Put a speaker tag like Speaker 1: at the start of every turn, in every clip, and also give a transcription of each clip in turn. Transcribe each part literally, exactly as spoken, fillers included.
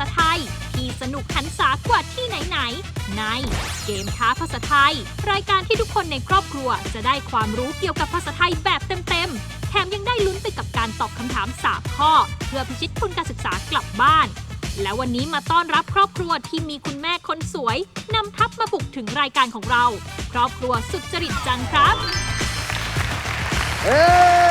Speaker 1: ษาไทยที่สนุกหันษากว่าที่ไหนๆในเกมท้าภาษาไทยรายการที่ทุกคนในครอบครัวจะได้ความรู้เกี่ยวกับภาษาไทยแบบเต็มๆแถมยังได้ลุ้นไปกับการตอบคำถามสามข้อเพื่อพิชิตทุนการศึกษากลับบ้านและวันนี้มาต้อนรับครอบครัวที่มีคุณแม่คนสวยนำทัพมาบุกถึงรายการของเราครอบครัวสุจริตจังครับ
Speaker 2: เอ้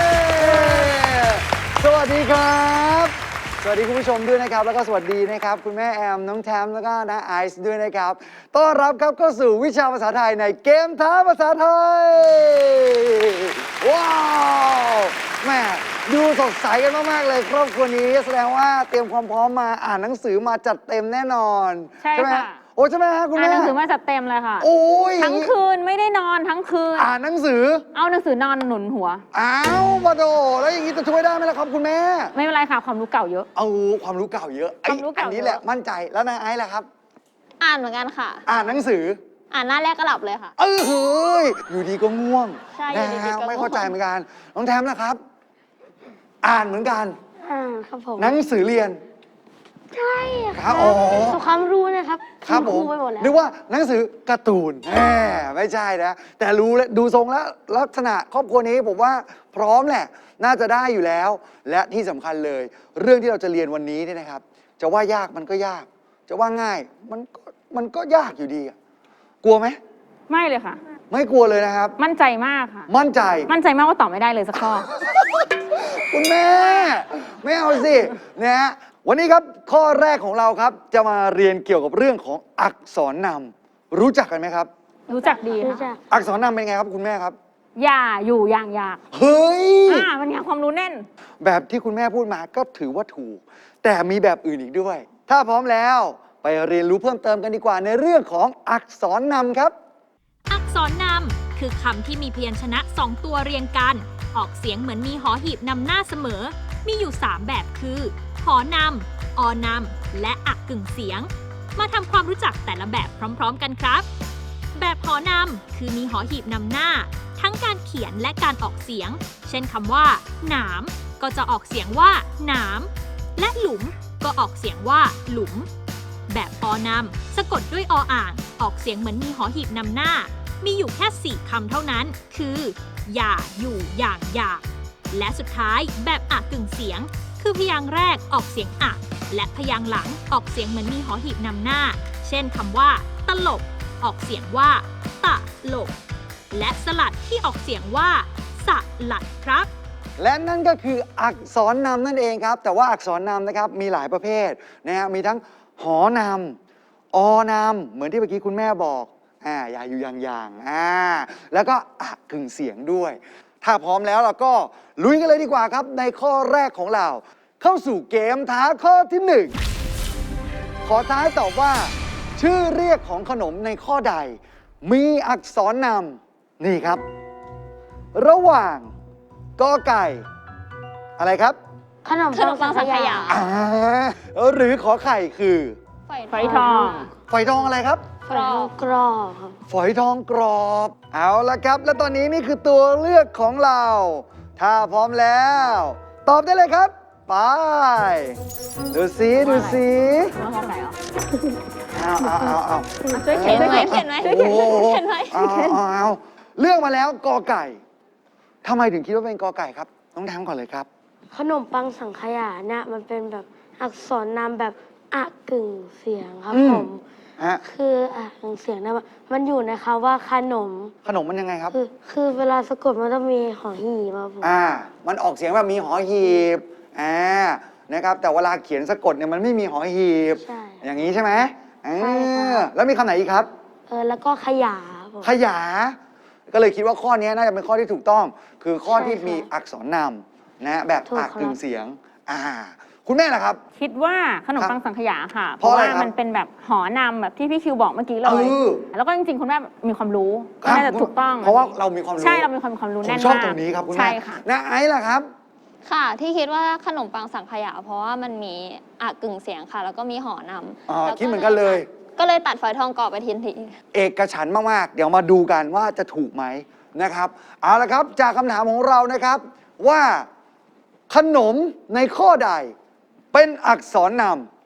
Speaker 2: สวัสดีครับสวัสดีคุณผู้ชมด้วยนะครับแล้วก็สวัสดีนะครับคุณแม่แอมน้องแทมแล้วก็น้าไอซ์ด้วยนะครับต้อนรับครับเข้าสู่วิชาภาษาไทยในเกมท้าภาษาไทยว้าวแม่ดูสดใสกันมากๆเลยครอบครัวนี้แสดงว่าเตรียมความพร้อมมาอ่านหนังสือมาจัดเต็มแน่นอน
Speaker 3: ใช่ค่ะ
Speaker 2: โอ้ใช่ไหมฮะคุณแม่
Speaker 3: อ่านหนังสือมาจัดเต็มเลยค่ะ
Speaker 2: โอ้ย
Speaker 3: ทั้งคืนไม่ได้นอนทั้งคืน
Speaker 2: อ่านหนังสือ
Speaker 3: เอาหนังสือนอนหนุนหัว
Speaker 2: อ้าวมาโดแล้วอย่างนี้จะช่วยได้ไหมล่ะครับคุณแม่
Speaker 3: ไม่เป็นไรค่ะความรู้เก่าเยอะ
Speaker 2: เอาความรู้เก่าเยอะไอ้อันนี้แหละมั่นใจแล้วนายไอ้ล่ะครับ
Speaker 4: อ่านเหมือนกันค่ะ
Speaker 2: อ่านหนังสือ
Speaker 4: อ่านหน้าแรกก็หลับเลยค่ะ
Speaker 2: เออเฮ้ยอยู่ดีก็ง่วง
Speaker 4: ใช่อยู่ดีก็ง่วง
Speaker 2: ไม่เข้าใจเหมือนกันน้องแทมล่ะครับอ่านเหมือนกัน
Speaker 4: อ่าครับผม
Speaker 2: หนังสือเรียน
Speaker 4: ใช่
Speaker 2: ครับอ๋อ
Speaker 4: ความรู้นะครับ
Speaker 2: ครับผมนึกว่าหนังสือการ์ตูนแหมไม่ใช่นะแต่รู้แล้วดูทรงแล้วลักษณะครอบครัวนี้ผมว่าพร้อมแหละน่าจะได้อยู่แล้วและที่สำคัญเลยเรื่องที่เราจะเรียนวันนี้เนี่ยนะครับจะว่ายากมันก็ยากจะว่าง่ายมันก็มันก็ยากอยู่ดีกลัวไหม
Speaker 3: ไม่เลยค่ะ
Speaker 2: ไม่กลัวเลยนะครับ
Speaker 3: มั่นใจมากค่ะ
Speaker 2: มั่นใจ
Speaker 3: มั่นใจมากว่าตอบไม่ได้เลยสักข้อ
Speaker 2: คุณแม่ไม่เอาสินะฮะวันนี้ครับข้อแรกของเราครับจะมาเรียนเกี่ยวกับเรื่องของอักษรนำรู้จักกันไหมครับ
Speaker 3: รู้จักดีค่ะ
Speaker 2: อักษรนำเป็นไงครับคุณแม่ครับ
Speaker 3: อย่าอยู่อย่างอยาก
Speaker 2: เฮ้ย
Speaker 3: อ่ามันไงความรู้แน่น
Speaker 2: แบบที่คุณแม่พูดมาก็ถือว่าถูกแต่มีแบบอื่นอีกด้วยถ้าพร้อมแล้วไปเรียนรู้เพิ่มเติมกันดีกว่าในเรื่องของอักษรนำครับ
Speaker 1: อักษรนำคือคำที่มีพยัญชนะสองตัวเรียงกันออกเสียงเหมือนมีหอหีบนำหน้าเสมอมีอยู่สามแบบคือหอนำออนำและอักกึ่งเสียงมาทำความรู้จักแต่ละแบบพร้อมๆกันครับแบบหอนำคือมีหอหีบนำหน้าทั้งการเขียนและการออกเสียงเช่นคำว่าหนามก็จะออกเสียงว่าหนามและหลุมก็ออกเสียงว่าหลุมแบบอนำสะกดด้วยออ่างออกเสียงเหมือนมีหอหีบนำหน้ามีอยู่แค่สี่คำเท่านั้นคืออย่าอยู่อย่างอยากและสุดท้ายแบบอะกึ่งเสียงคือพยางค์แรกออกเสียงอะและพยางค์หลังออกเสียงเหมือนมีหอหีบนำหน้าเช่นคำว่าตลกออกเสียงว่าตะลกและสลัดที่ออกเสียงว่าสลัดครับ
Speaker 2: และนั่นก็คืออักษรนำนั่นเองครับแต่ว่าอักษรนำนะครับมีหลายประเภทนะฮะมีทั้งหอนำอนำเหมือนที่เมื่อกี้คุณแม่บอกอ่าอย่าอยู่อย่างๆอ่าแล้วก็อะกึ่งเสียงด้วยถ้าพร้อมแล้วเราก็ลุยกันเลยดีกว่าครับในข้อแรกของเราเข้าสู่เกมท้าข้อที่หนึ่งขอท้ายตอบว่าชื่อเรียกของขนมในข้อใดมีอักษรนำนี่ครับระหว่างกอไก่อะไรครับ
Speaker 4: ขนมปังสังขยา
Speaker 2: อ่าหรือขอไข่คือ
Speaker 3: ฝอยทอง
Speaker 2: ฝอยทองอะไรครับ
Speaker 4: ฝอยทองกรอบครับ
Speaker 2: ฝอยทองกรอบเอาละครับและตอนนี้นี่คือตัวเลือกของเราถ้าพร้อมแล้วตอบได้เลยครับไปดูสิดูสิ
Speaker 3: ว่าห้องไหนอ่ะ
Speaker 2: เอาเอาเอาเอา
Speaker 3: ช่วยเขียนไหม
Speaker 4: เขียนไหมช่วยเขียนเขียนไหม
Speaker 2: เอาเอาเอาเลือกมาแล้วกอไก่ทำไมถึงคิดว่าเป็นกอไก่ครับต้องทำก่อนเลยครับ
Speaker 4: ขนมปังสังขยาเนี่ยมันเป็นแบบอักษรนามแบบอะกึ่งเสียงครับผมคืออะกึ่งเสียงเนี่ยมันอยู่ในคำว่าขนม
Speaker 2: ขนมมันยังไงครับ
Speaker 4: คือคือเวลาสะกดมันต้องมีหอหีบครับผม
Speaker 2: อ่ามันออกเสียงแบบมีหอหีบอ่านะครับแต่เวลาเขียนสะกดเนี่ยมันไม่มีหอหีบ
Speaker 4: ใช่
Speaker 2: อย่างนี้ใช่ไหม
Speaker 4: ใช่
Speaker 2: ค่ะแล้วมีคำไหนอีกครับ
Speaker 4: เออแล้วก็ขยา
Speaker 2: ขยาก็เลยคิดว่าข้อนี้น่าจะเป็นข้อที่ถูกต้องคือข้อที่มีอักษรนำนะแบบอักกึ่งเสียงอ่าคุณแม่ล่ะครับ
Speaker 3: คิดว่าขนมปังสังขยาค่ะ
Speaker 2: เพราะว่า
Speaker 3: มันเป็นแบบหอนำแบบที่พี่คิวบอกเมื่อกี้เลยแล้วก็จริงๆคุณแม่มีความรู้น่าจะถูกต้อง
Speaker 2: เพราะว่าเรามีความรู้
Speaker 3: ใช่เรามีความความรู้แน่นมาก
Speaker 2: ผมชอบตรงนี้ครับคุณแม่นะไอ้ล่ะครับ
Speaker 4: ค่ะที่คิดว่าขนมปังสังขยาเพราะว่ามันมีอะกึ่งเสียงค่ะแล้วก็มีหอนำ
Speaker 2: อ๋อคิดเหมือนกันเลย
Speaker 4: ก็เลยตัดฝอยทองกรอบไปทีที
Speaker 2: เอกฉันท์มากๆเดี๋ยวมาดูกันว่าจะถูกไหมนะครับเอาละครับจากคำถามของเรานะครับว่าขนมในข้อใดเป็นอักษรน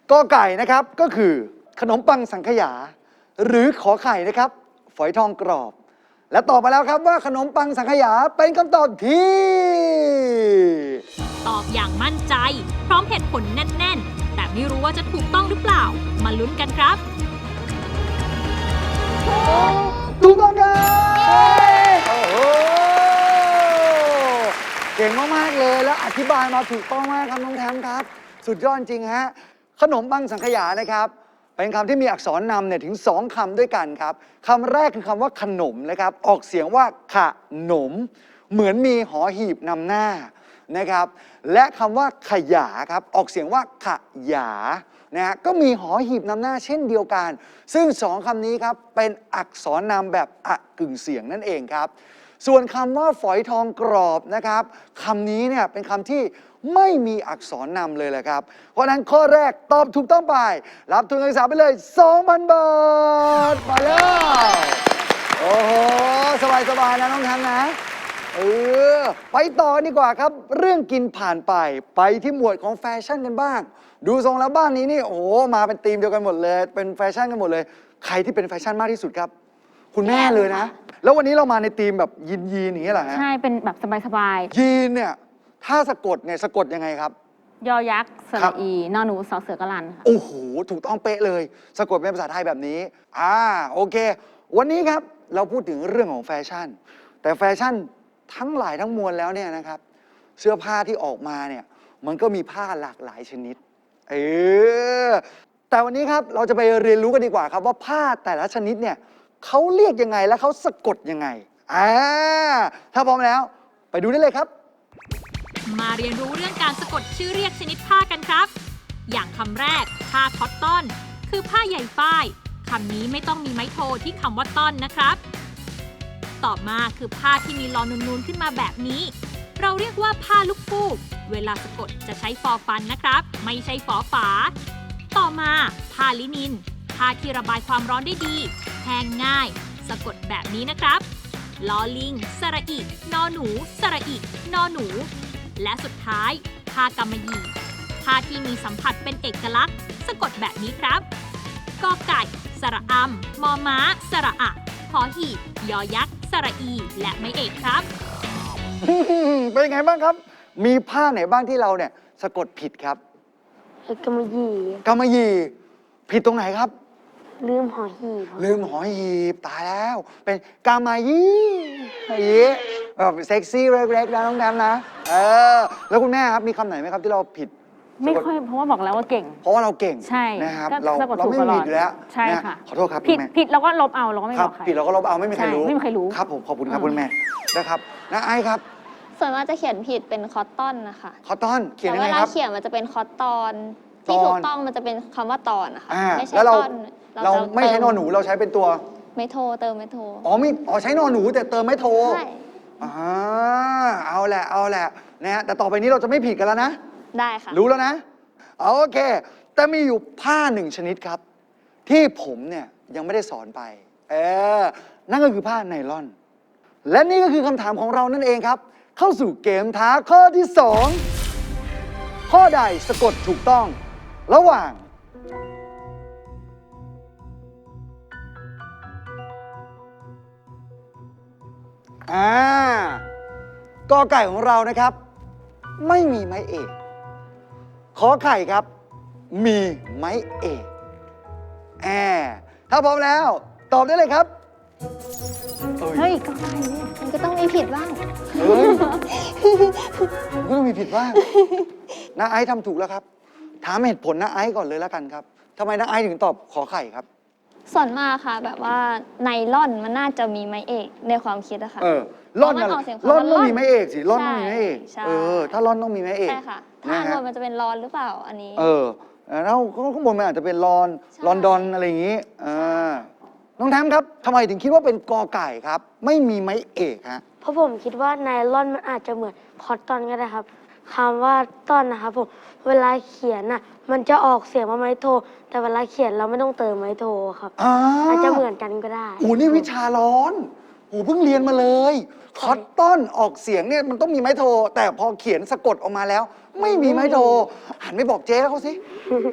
Speaker 2: กอไก่นะครับก็คือขนมปังสังขยา หรือขอไข่นะครับฝอยทองกรอบ และตอบมาแล้วครับว่าขนมปังสังขยาเป็นคำตอบที่
Speaker 1: ตอบอย่างมั่นใจ พร้อมเหตุผลแน่น ๆ แต่ไม่รู้ว่าจะถูกต้องหรือเปล่า มาลุ้นกันครับ
Speaker 2: ถูกต้องครับโอ้โหเก่งมากๆเลยแล้วอธิบายมาถูกต้องมากครับน้องแทมครับ สุดยอดจริงฮะขนมปังสังขยานะครับเป็นคำที่มีอักษรนำเนี่ยถึงสองคำด้วยกันครับคำแรกคือคำว่าขนมนะครับออกเสียงว่าขะหนม เหมือนมีหอหีบนำหน้านะครับและคำว่าขยาครับออกเสียงว่าขยานะฮะก็มีหอหีบนำหน้าเช่นเดียวกัน ซึ่งสองคำนี้ครับเป็นอักษรนำแบบอะกึ่งเสียงนั่นเองครับส่วนคำว่าฝอยทองกรอบนะครับคำนี้เนี่ยเป็นคำที่ไม่มีอักษรนำเลยแหละครับเพราะฉะนั้นข้อแรกตอบถูกต้องไปรับทุนการศึกษาไปเลย สองพัน บาทมาแล้วโอ้โหสบายๆนะน้องทันนะเออไปต่อดีกว่าครับเรื่องกินผ่านไปไปที่หมวดของแฟชั่นกันบ้างดูทรงแล้วบ้านนี้นี่โอ้โหมาเป็นธีมเดียวกันหมดเลยเป็นแฟชั่นกันหมดเลยใครที่เป็นแฟชั่นมากที่สุดครับคุณแม่เลยนะแล้ววันนี้เรามาในธีมแบบยีนยีนอย่างนี้เหรอฮะ
Speaker 3: ใช่เป็นแบบสบาย
Speaker 2: ยีนเนี่ยถ้าสะกดเนี่ยสะกดยังไงครับ
Speaker 3: ๆ ยอยักษ์ส
Speaker 2: ครั
Speaker 3: ระ
Speaker 2: บ
Speaker 3: อีนอหนูสอเสือกลันค่ะ
Speaker 2: โอ้โหถูกต้องเป๊ะเลยสะกดเป็นภาษาไทยแบบนี้อ่าโอเค วันนี้ครับเราพูดถึงเรื่องของแฟชั่น แต่แฟชั่นทั้งหลายทั้งมวลแล้วเนี่ยนะครับเสื้อผ้าที่ออกมาเนี่ยมันก็มีผ้าหลากหลายชนิดเออแต่วันนี้ครับเราจะไปเรียนรู้กันดีกว่าครับว่าผ้าแต่ละชนิดเนี่ยเขาเรียกยังไงและเขาสะกดยังไงอ่าถ้าพร้อมแล้วไปดูได้เลยครับ
Speaker 1: มาเรียนรู้เรื่องการสะกดชื่อเรียกชนิดผ้ากันครับ อย่างคำแรกผ้าคอตตอน คือผ้าใยฝ้ายคำนี้ไม่ต้องมีไม้โทที่คำว่าต้อนนะครับ ต่อมาคือผ้าที่มีลอนูนๆขึ้นมาแบบนี้ เราเรียกว่าผ้าลูกฟูก เวลาสะกดจะใช้ฟอฟันนะครับ ไม่ใช่ฟอฝา ต่อมาผ้าลินิน ผ้าที่ระบายความร้อนได้ดี แห้งง่าย สะกดแบบนี้นะครับลอลิง สระอิ นอหนู สระอิ นอหนู และสุดท้ายผ้ากำมะหยี่ผ้าที่มีสัมผัสเป็นเอกลักษณ์ สะกดแบบนี้ครับกอไก่ สระอำมอม้า สระอะหอหีบยอยักษ์ สระอี และไม่เอกครับ
Speaker 2: เป็นยังไงบ้างครับ มีผ้าไหนบ้างที่เราเนี่ยสะกดผิดครับ
Speaker 4: ไอ้กำมะหยี่
Speaker 2: กำมะหยี่ผิดตรงไหนครับ
Speaker 4: ลืมหอหีบครับ
Speaker 2: ลืมหอหีบตายแล้ว เป็นกำมะหยี่อย่างนี้แบบเซ็กซี่เล็กๆนะน้องแนมนะเออแล้วคุณแม่ครับมีคำไหนไหมครับที่เราผิด
Speaker 3: ไม่ค่อยเพราะว่าบอกแล้วว่าเก่ง
Speaker 2: เพราะว่าเราเก่ง
Speaker 3: ใช่
Speaker 2: นะครับ
Speaker 3: ก็
Speaker 2: เรา
Speaker 3: สะกด
Speaker 2: เรา
Speaker 3: ถูก
Speaker 2: ไม่
Speaker 3: ตล
Speaker 2: มี
Speaker 3: อด
Speaker 2: อยู่แล้ว
Speaker 3: ใช่
Speaker 2: นะ
Speaker 3: ค่ะ
Speaker 2: ขอโทษครับ
Speaker 3: ผิด
Speaker 2: คุณแม่
Speaker 3: ผิดเราก็ลบเอาเราก็ไม่
Speaker 2: ครับ
Speaker 3: อบ กใคร
Speaker 2: ผิดเราก็ลบเอาไม่มีใคร
Speaker 3: ใช่
Speaker 2: รู้
Speaker 3: ไม่มีใครรู้
Speaker 2: ครับผมขอบคุณครับ
Speaker 3: อืม
Speaker 2: คุณแม่นะครับนะไอซ์ครับ
Speaker 5: ส่วนมากจะเขียนผิดเป็นคอตตอนนะคะ
Speaker 2: คอตตอนเขียน
Speaker 5: แต่
Speaker 2: ยัง
Speaker 5: เว
Speaker 2: ไง
Speaker 5: ลา
Speaker 2: ครับ
Speaker 5: เขียนมันจะเป็นคอตตอน
Speaker 2: ต
Speaker 5: ที่
Speaker 2: อน
Speaker 5: ถูกต้องมันจะเป็นคำว่าตอนนะคะ
Speaker 2: อ่า
Speaker 5: ไม่ใช่
Speaker 2: แล้วเรา
Speaker 5: ต้น
Speaker 2: เรา
Speaker 5: จะ
Speaker 2: ไม่ใช้นอนหนูเราใช้เป็นตัว
Speaker 5: ไม่โทรเติมไม่โทร
Speaker 2: อ๋อมีอ๋อใช้นอนหนูแต่เติมไม่โทร
Speaker 5: ใช่
Speaker 2: อ่าเอาแหละเอาแหละนะฮะแต่ต่อไปนี้เราจะไม่ผิดกันแล้วนะ
Speaker 5: ได้ค่ะ
Speaker 2: รู้แล้วนะโอเค แต่มีอยู่ผ้าหนึ่งชนิดครับ ที่ผมเนี่ยยังไม่ได้สอนไป เออ นั่นก็คือผ้าไนลอน และนี่ก็คือคำถามของเรานั่นเองครับ เข้าสู่เกมท้าข้อที่สองข้อใดสะกดถูกต้อง ระหว่าง อ่ากอไก่ของเรานะครับ ไม่มีไม้เอก ขอไข่ครับ มีไม้เอกแอบถ้าพร้อมแล้ว ตอบได้เลยครับ
Speaker 3: เฮ้ยก็ได้เนี่ย
Speaker 5: มันก็ต้องมีผิดบ้าง
Speaker 2: เฮ้ยมันก็ต้องมีผิดบ้างน้าไอซ์ทำถูกแล้วครับ ถามเหตุผลน้าไอซ์ก่อนเลยแล้วกันครับทำไมน้าไอซ์ถึงตอบขอไข่ครับ
Speaker 5: ส่วนมากค่ะ แบบว่าไนล่อนมันน่าจะมีไม้เอกในความคิดอะค่ะ
Speaker 2: เออล่อน
Speaker 5: เพราะมัน
Speaker 2: อะไร
Speaker 5: ออกเสียง
Speaker 2: ล่อน
Speaker 5: คำว่า
Speaker 2: ต้อง
Speaker 5: ล่อน
Speaker 2: มีไม้เอกสิล่อนต้องมีไม้เอก
Speaker 5: ใช่
Speaker 2: เออ ถ้าล่อนต้องมีไม้เอก
Speaker 5: ใช่ค่ะ ถ้า
Speaker 2: นะ
Speaker 5: อัน
Speaker 2: ฮะ
Speaker 5: บนมันจะเป็นรอนหรือเปล่าอันนี้
Speaker 2: เออแล้วข้างบนมันอาจจะเป็นลอน
Speaker 5: ใช่
Speaker 2: ลอนดอนอะไรอย่างนี้อ่าน้องแทมครับทำไมถึงคิดว่าเป็นกอไก่ครับ ไม่มีไม้เอกฮะ
Speaker 4: เพราะผมคิดว่าไนลอนมันอาจจะเหมือนคอตตอนก็ได้ครับคำว่าต้อนนะครับผมเวลาเขียนน่ะมันจะออกเสียงว่าไม้โท แต่เวลาเขียนเราไม่ต้องเติมไม้โทครับ
Speaker 2: อ่า
Speaker 4: อาจจะเหมือนกันก็ได้
Speaker 2: โอ้นี่วิชาร้อนโอ้เพิ่งเรียนมาเลยคอตตอนออกเสียงเนี่ยมันต้องมีไม้โท แต่พอเขียนสะกดออกมาแล้ว ไม่มีไม้โท หันไปบอกเจ๊เขาสิ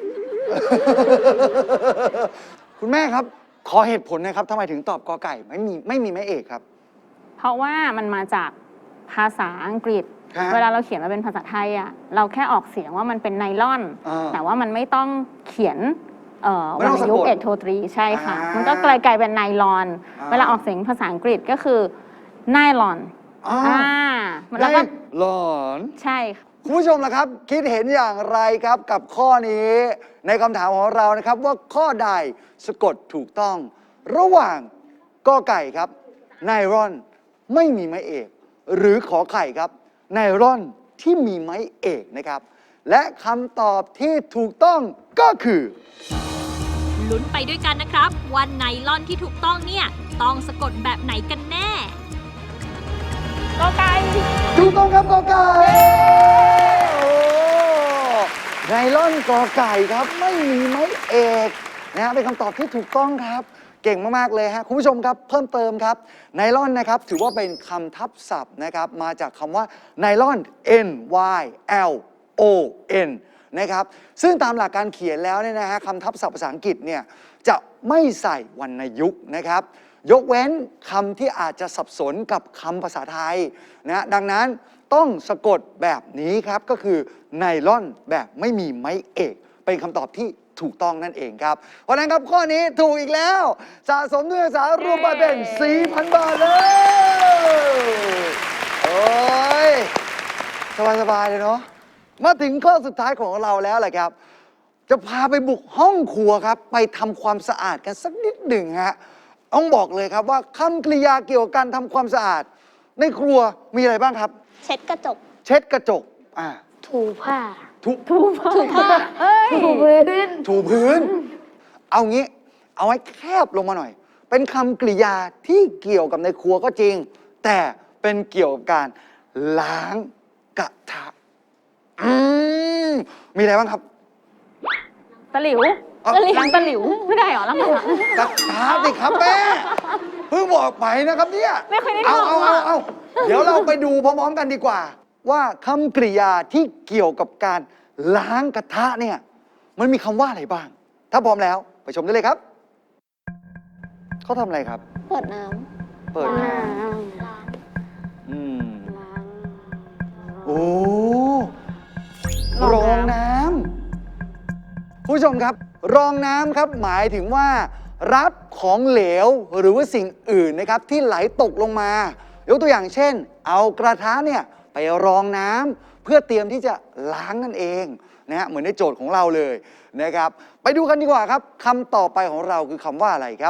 Speaker 2: คุณแม่ครับ ขอเหตุผลหนะครับทำไมถึงตอบกอไก่ไม่มีไม่มีไม้เอกครับ
Speaker 3: เพราะว่ามันมาจากภาษาอังกฤษ
Speaker 2: ฮะ
Speaker 3: เวลาเราเขียนมาเป็นภาษาไทยอ่ะเราแค่ออกเสียงว่ามันเป็นไนลอน
Speaker 2: อ่า
Speaker 3: แต่ว่ามันไม่ต้องเขียนเอ่อ
Speaker 2: ไม่
Speaker 3: วร
Speaker 2: ต้อง
Speaker 3: รณ
Speaker 2: สะกด
Speaker 3: ยุกต์เอกโทตรีใช่ค่ะ
Speaker 2: อ่ามั
Speaker 3: มันก็กลายกลายเป็นไนลอน
Speaker 2: อ่า
Speaker 3: เวลาออกเสียงภาษาอังกฤษก็คือไนลอน
Speaker 2: อ๋อ
Speaker 3: อ่า
Speaker 2: ไน
Speaker 3: แล้วก็
Speaker 2: ลอน
Speaker 3: ใช่ค่ะ
Speaker 2: คุณผู้ชมล่ะครับ คิดเห็นอย่างไรครับกับข้อนี้ในคำถามของเรานะครับว่าข้อใดสะกดถูกต้อง ระหว่างกอไก่ครับไนรอนไม่มีไม้เอก หรือขอไข่ครับไนรอนที่มีไม้เอกนะครับ และคำตอบที่ถูกต้องก็คือ
Speaker 1: ลุ้นไปด้วยกันนะครับว่าไนลอนที่ถูกต้องเนี่ย ต้องสะกดแบบไหนกันแน่
Speaker 3: ก็ไก่
Speaker 2: ถูกต้องครับกอไก่โอ้ไนลอนกอไก่ครับไม่มีไม้เอกนะฮะเป็นคำตอบที่ถูกต้องครับ เก่งมาก ๆ เลยฮะคุณผู้ชมครับเพิ่มเติมครับไนลอนนะครับถือว่าเป็นคำทับศัพท์นะครับมาจากคำว่าไนลอน N Y L O N นะครับซึ่งตามหลักการเขียนแล้วเนี่ยนะฮะคำทับศัพท์ภาษาอังกฤษเนี่ยจะไม่ใส่วรรณยุกต์นะครับยกเว้นคำที่อาจจะสับสนกับคำภาษาไทยนะดังนั้นต้องสะกดแบบนี้ครับก็คือไนลอนแบบไม่มีไม้เอกเป็นคำตอบที่ถูกต้องนั่นเองครับ เพราะฉะนั้นครับข้อนี้ถูกอีกแล้ว สะสมด้วยสารวมไปเป็น สี่พัน บาทเลยโอ้ยสบาย ๆ เลยเนาะมาถึงข้อสุดท้ายของเราแล้วแหละครับ จะพาไปบุกห้องครัวครับ ไปทำความสะอาดกันสักนิดหนึ่งฮะต้องบอกเลยครับว่าคำกริยาเกี่ยวกับการทำความสะอาด ในครัวมีอะไรบ้างครับ
Speaker 5: เช็ดกระจก
Speaker 2: เช็ดกระจกอ่า
Speaker 4: ถูผ้า
Speaker 2: ทุ
Speaker 3: ถูกถูกผ้าเอ้ย
Speaker 4: ถูพื้น
Speaker 2: ถูพื้น เอางี้ เอาไว้แคบลงมาหน่อย เป็นคำกริยาที่เกี่ยวกับในครัวก็จริง แต่เป็นเกี่ยวกับการล้างกระทะ อืม มีอะไรบ้างครับ
Speaker 3: ตะหลิว
Speaker 2: เอา
Speaker 3: ล้างตะหลิวไม่ได้เหรอล้างกระทะ
Speaker 2: กระทะสิครับแม่ เพิ่งบอกไปนะครับเนี่ย
Speaker 3: ไม่เคยได้
Speaker 2: เอา
Speaker 3: ทำ
Speaker 2: เอาเอา
Speaker 3: อะ
Speaker 2: เอาเดี๋ยวเราไปดูพร้อมๆกันดีกว่า ว่าคำกริยาที่เกี่ยวกับการล้างกระทะเนี่ย มันมีคำว่าอะไรบ้าง ถ้าพร้อมแล้วไปชมได้เลยครับ เขาทำอะไรครับ
Speaker 5: เปิดน้
Speaker 2: เปิด
Speaker 4: ล้า
Speaker 2: น้
Speaker 4: ง
Speaker 2: ำอืม
Speaker 4: ล้าง
Speaker 2: โอ้รองน้ำผู้ชมครับ รองน้ำครับหมายถึงว่า รับของเหลวหรือว่าสิ่งอื่นนะครับที่ไหลตกลงมา ยกตัวอย่างเช่น เอากระทะเนี่ยไปรองน้ำเพื่อเตรียมที่จะล้างนั่นเองนะฮะเหมือนในโจทย์ของเราเลยนะครับ ไปดูกันดีกว่าครับคำต่อไปของเราคือคำว่าอะไรครับ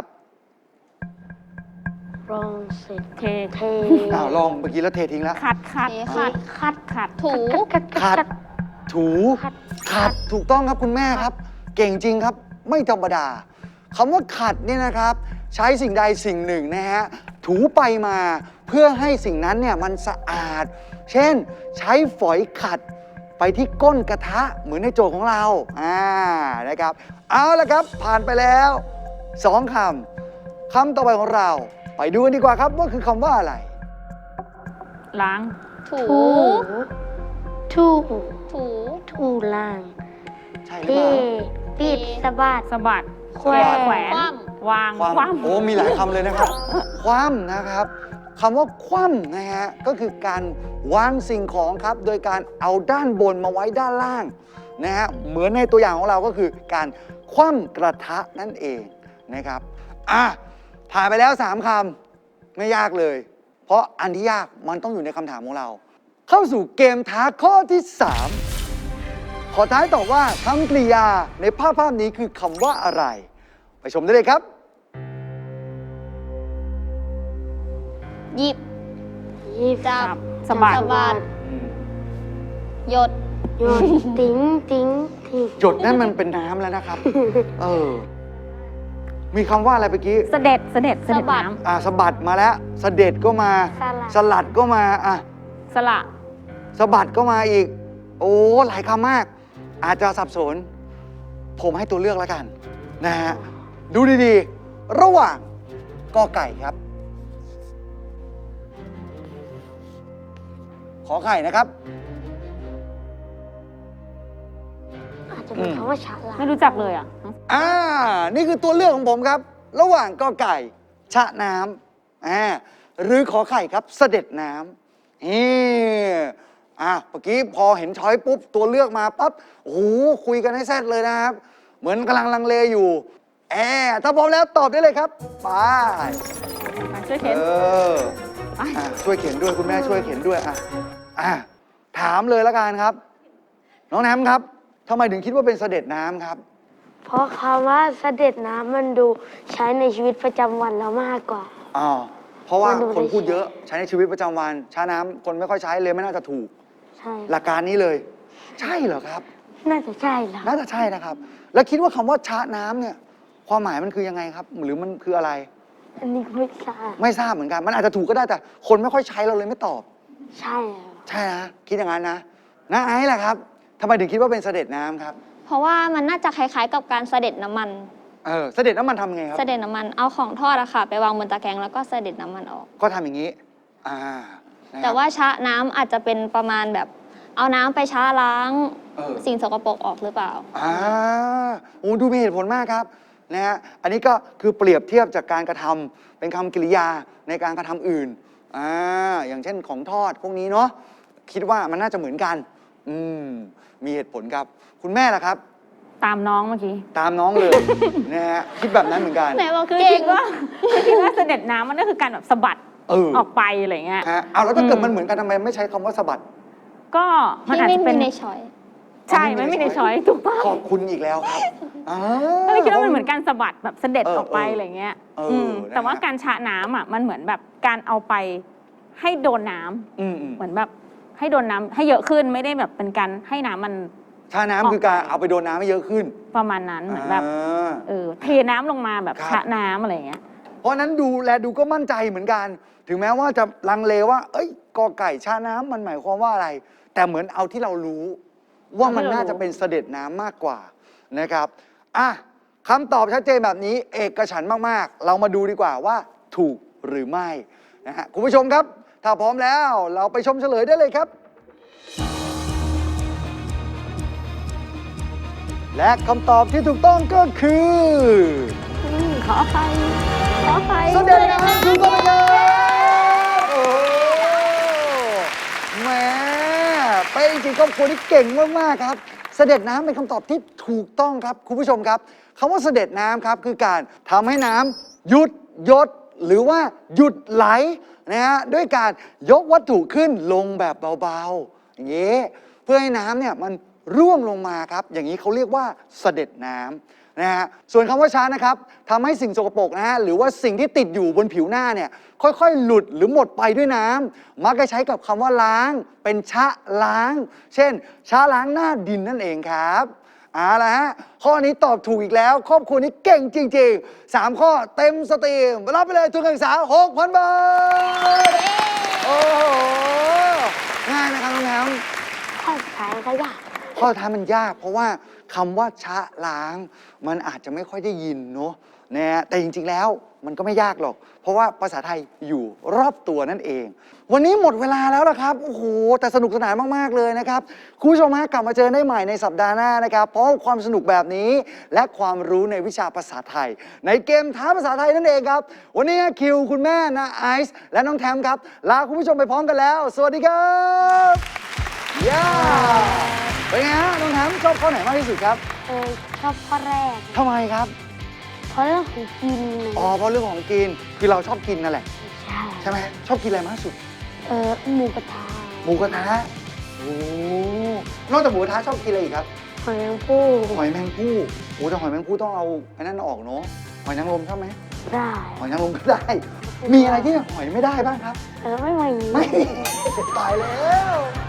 Speaker 4: รองเสร็จ
Speaker 3: เท
Speaker 4: เท
Speaker 2: อ้าวลองเมื่อกี้แล้วเททิ้งแล้ว
Speaker 3: ขัดขัด
Speaker 5: ำเท
Speaker 3: ขั
Speaker 5: ขั
Speaker 3: ด
Speaker 5: ด
Speaker 3: ขัดขัด
Speaker 5: ถู
Speaker 4: ขัดขัด
Speaker 2: ขัด ถู
Speaker 4: ขัด
Speaker 2: ขัดถูกต้องครับคุณแม่ครับ เก่งจริงครับไม่ธรรมดาคำว่าขัดเนี่ยนะครับ ใช้สิ่งใดสิ่งหนึ่งนะฮะถูไปมาเพื่อให้สิ่งนั้นเนี่ยมันสะอาด เช่นใช้ฝอยขัดไปที่ก้นกระทะเหมือนในโจทย์ของเราอ่านะครับ เอาละครับผ่านไปแล้วสองคำคำต่อไปของเรา ไปดูกันดีกว่าครับว่าคือคำว่าอะไร
Speaker 3: ล้าง
Speaker 5: ถู
Speaker 4: ถู ถู
Speaker 5: ถู
Speaker 4: ถูล่าง
Speaker 2: ใช่ห
Speaker 4: เท
Speaker 2: รือเปล่า
Speaker 4: ปิดสะบัด
Speaker 3: สะบัด
Speaker 4: แขวน
Speaker 3: แขวน
Speaker 5: คว่
Speaker 3: วาง
Speaker 2: ความ
Speaker 3: คว่
Speaker 2: โอ้มีหลายคำเลยนะครับ คว่ำนะครับคำว่าคว่ำนะฮะก็คือการวางสิ่งของครับ โดยการเอาด้านบนมาไว้ด้านล่างนะฮะเหมือนในตัวอย่างของเราก็คือการคว่ำกระทะนั่นเองนะครับอ่ะผ่านไปแล้วสามคำไม่ยากเลย เพราะอันที่ยากมันต้องอยู่ในคำถามของเรา เข้าสู่เกมท้าข้อที่สามขอท้ายตอบว่าคำกริยาในภาพภาพนี้คือคำว่าอะไร ไปชมได้เลยครับ
Speaker 5: หยิบ
Speaker 4: ยิบ
Speaker 5: จับ
Speaker 3: ำสะบัด
Speaker 5: สะบัด หยด
Speaker 4: โยนติ้งติ้งทิ้ง
Speaker 2: หยดนั่นมันเป็นน้ำแล้วนะครับ เออ มีคำว่าอะไรเมื่อกี้
Speaker 3: เสด็จเสด็จเสด็จ
Speaker 5: สะบัด
Speaker 3: น้
Speaker 2: อ่าสะบัดมาแล้วสะเด็ดก็มา
Speaker 4: สลัด
Speaker 2: สลัดก็มา อ่ะ
Speaker 3: ำสละ
Speaker 2: สะบัดก็มาอีก โอ้ หลายคำมาก อาจจะสับสน ผมให้ตัวเลือกแล้วกัน นะฮะ ดูดีๆ ระหว่างกอไก่ครับ ขอไข่นะครับ
Speaker 4: อันจะเป็น
Speaker 2: อืม
Speaker 4: คำว่าฉลาม
Speaker 3: ไม่รู้จักเลยอ่ะ
Speaker 2: อ่า นี่คือตัวเลือกของผมครับ ระหว่างกอไก่ ชะน้ำอ่าหรือขอไข่ครับ เสด็จน้ำนี่อ่ะเมื่อกี้พอเห็นช้อยปุ๊บ ตัวเลือกมาปั๊บ โอ้โห คุยกันให้แซ่ดเลยนะครับ เหมือนกำลังลังเลอยู่แอมถ้าพร้อมแล้วตอบได้เลยครับ ไป
Speaker 3: ช่วยเข็น
Speaker 2: เอออ่ะช่วยเขียนด้วยคุณแม่ช่วยเขียนด้วยอ่ะอ่ะถามเลยละกันครับ น้องแนมครับทำไมถึงคิดว่าเป็นเสด็จน้ำครับ
Speaker 4: เพราะคำว่าเสด็จน้ำมันดูใช้ในชีวิตประจำวันเรามากกว่า
Speaker 2: อ๋อ เพราะว่า
Speaker 4: มันดู
Speaker 2: คนพูด
Speaker 4: ได้ใช้
Speaker 2: เยอะใช้ในชีวิตประจำวันช้าน้ำคนไม่ค่อยใช้เลยไม่น่าจะถูก
Speaker 4: ใช่
Speaker 2: หลักการนี้เลย ใช่เหรอครับ
Speaker 4: น่าจะใช่แล้ว
Speaker 2: น่าจะใช่นะครับ แล้วคิดว่าคำว่าช้าน้ำเนี่ย ความหมายมันคือยังไงครับ หรือมันคืออะไร
Speaker 4: อันนี้ก็ไม่ทราบ
Speaker 2: ไม่ทราบเหมือนกัน มันอาจจะถูกก็ได้แต่ คนไม่ค่อยใช้เราเลยไม่ตอบ
Speaker 4: ใช่แล้ว
Speaker 2: ใช่นะคิดอย่างนั้นนะน้าไอซ์ล่ะครับทำไมถึงคิดว่าเป็นเสด็จน้ำครับ
Speaker 5: เพราะว่ามันน่าจะคล้ายๆกับการเสด็จน้ำมัน
Speaker 2: เออเสด็จน้ำมันทำไงครับ
Speaker 5: เสด็จน้ำมันเอาของทอดอะค่ะ ไปวางบนตะแกรงแล้วก็เสด็จน้ำมันออก
Speaker 2: ก็ทำอย่างนี้ อ่านะครับ
Speaker 5: แต่ว่าชะน้ำอาจจะเป็นประมาณแบบ เอาน้ำไปชะล้าง
Speaker 2: เออ
Speaker 5: สิ่งสกปรกออกหรือเปล่า
Speaker 2: อ่าโอ้ดูมีเหตุผลมากครับนะฮะอันนี้ก็คือเปรียบเทียบจากการกระทำเป็นคำกริยาในการกระทำอื่นอ่าอย่างเช่นของทอดพวกนี้เนาะคิดว่ามันน่าจะเหมือนกัน อืมมีเหตุผลครับ คุณแม่ล่ะครับ
Speaker 3: ตามน้องเมื่อกี้
Speaker 2: ตามน้องเลย นะฮะคิดแบบนั้นเหมือนกัน
Speaker 5: ไหนบอก
Speaker 3: คือ
Speaker 5: เก่
Speaker 3: คิ
Speaker 5: ง
Speaker 3: ดว่าคือคิดว่าเสด็จน้ำมันก็คือการแบบสะบัด
Speaker 2: เออ
Speaker 3: ออกไปอะไรเงี้ย
Speaker 2: ฮะเอาแล้วถ้าเกิด
Speaker 3: อืม
Speaker 2: มันเหมือนกันทำไมไม่ใช้คำว่าสะบัด
Speaker 3: ก็มัน
Speaker 5: ที่
Speaker 3: อาจ
Speaker 5: ไม่
Speaker 3: จะเป็
Speaker 5: มี
Speaker 3: น
Speaker 5: ในช้อย
Speaker 3: ใช่ไม่มีในช้อยถูกต้อง
Speaker 2: ขอบคุณอีกแล้วครับอ่า
Speaker 3: ก็เลยคิดว่ามันเหมือนการสะบัดแบบเสด็จ
Speaker 2: เออ
Speaker 3: ออกไป
Speaker 2: เอออ
Speaker 3: อะไรเงี้ย
Speaker 2: เอออื
Speaker 3: ม
Speaker 2: นะ
Speaker 3: แต่ว่า
Speaker 2: ฮะ
Speaker 3: การชะน้ำอ่ะมันเหมือนแบบการเอาไปให้โดนน้ำ
Speaker 2: อืมอืม
Speaker 3: เหมือนแบบให้โดนน้ำให้เยอะขึ้นไม่ได้แบบเป็นการให้น้ำมัน
Speaker 2: ชาน้ำคือการเอาไปโดนน้ำให้เยอะขึ้น
Speaker 3: ประมาณนั้นเหมือนแบบ
Speaker 2: อ่า
Speaker 3: เออเทน้ำลงมาแบบ
Speaker 2: ครับ
Speaker 3: ชะน้ำอะไรเงี้ย
Speaker 2: เพราะฉะนั้นดูแลดูก็มั่นใจเหมือนกัน ถึงแม้ว่าจะลังเลว่า เอ้ยกอไก่ชาน้ำมันหมายความว่าอะไร แต่เหมือนเอาที่เรารู้ ว่ามันน่าจะเป็นเสด็จน้ำมากกว่านะครับอ่ะคำตอบชัดเจนแบบนี้เอกฉันท์มากๆ เรามาดูดีกว่าว่าถูกหรือไม่นะฮะคุณผู้ชมครับ ถ้าพร้อมแล้วเราไปชมเฉลยได้เลยครับ และคำตอบที่ถูกต้องก็คือ
Speaker 3: ขอไปขอไป
Speaker 2: เสด็จน้ำถูกต้องครับโอ้โหแหมเป็นจริงๆครอบครัวนี้เก่งมาก ๆ ครับ เสด็จน้ำเป็นคำตอบที่ถูกต้องครับ คุณผู้ชมครับคำว่าเสด็จน้ำครับคือการทำให้น้ำหยุดหยดหรือว่าหยุดไหลนะฮะด้วยการยกวัตถุขึ้นลงแบบเบา ๆ อย่างนี้เพื่อให้น้ำเนี่ยมันร่วงลงมาครับ อย่างนี้เขาเรียกว่าเสด็จน้ำนะฮะส่วนคำว่าช้านะครับทำให้สิ่งสกปรกนะฮะหรือว่าสิ่งที่ติดอยู่บนผิวหน้าเนี่ยค่อยๆ หลุดหรือหมดไปด้วยน้ำมักจะใช้กับคำว่าล้าง เป็นชะล้าง เช่นชะล้างหน้าดินนั่นเองครับเอาละฮะข้อนี้ตอบถูกอีกแล้ว ครอบครัวนี้เก่งจริงๆสามข้อเต็มสตรีมรับไปเลยทุนการศึกษา หกพัน บาทโอ้โหง่ายนะครับน้องแฮม
Speaker 4: ข้อสุดท้ายก็ยาก
Speaker 2: ข้อท้ายมันยากเพราะว่าคำว่าชะล้าง มันอาจจะไม่ค่อยได้ยินเนาะนะฮะแต่จริงๆแล้วมันก็ไม่ยากหรอก เพราะว่าภาษาไทยอยู่รอบตัวนั่นเอง วันนี้หมดเวลาแล้วล่ะครับโอ้โหแต่สนุกสนานมากๆเลยนะครับคุณผู้ชมฮะกลับมาเจอได้ใหม่ในสัปดาห์หน้านะครับเพราะความสนุกแบบนี้และความรู้ในวิชาภาษาไทย ในเกมท้าภาษาไทยนั่นเองครับวันนี้คิวคุณแม่นะไอซ์และน้องแทมครับลาคุณผู้ชมไปพร้อมกันแล้ว สวัสดีครับย่าเป็นไงฮะน้องแทมชอบข้อไหนมากที่สุดครับ
Speaker 4: เออชอบข้อแรก
Speaker 2: ทำไมครับ
Speaker 4: เพราะเรื่องของกิน
Speaker 2: อ๋อเพราะเรื่องของกินคือเราชอบกินนั่นแหละ
Speaker 4: ใช่
Speaker 2: ใช่ไหมชอบกินอะไรมากที่สุด
Speaker 4: เออหมูกระทะ
Speaker 2: หมูกระทะโอ้นอกจากหมูกระทะชอบกินอะไรอีกครับ
Speaker 4: หอยแมงผู้
Speaker 2: หอยแมงภู่โอ้แต่หอยแมงภู่ต้องเอาไอ้นั่นออกเนาะหอยนางรมชอบไหม
Speaker 4: ได้
Speaker 2: หอยนางรมก็ได้ มีอะไรที่หอยไม่ได้บ้างครับ
Speaker 4: เออไม่ไหว
Speaker 2: ไม่ ตายแล้ว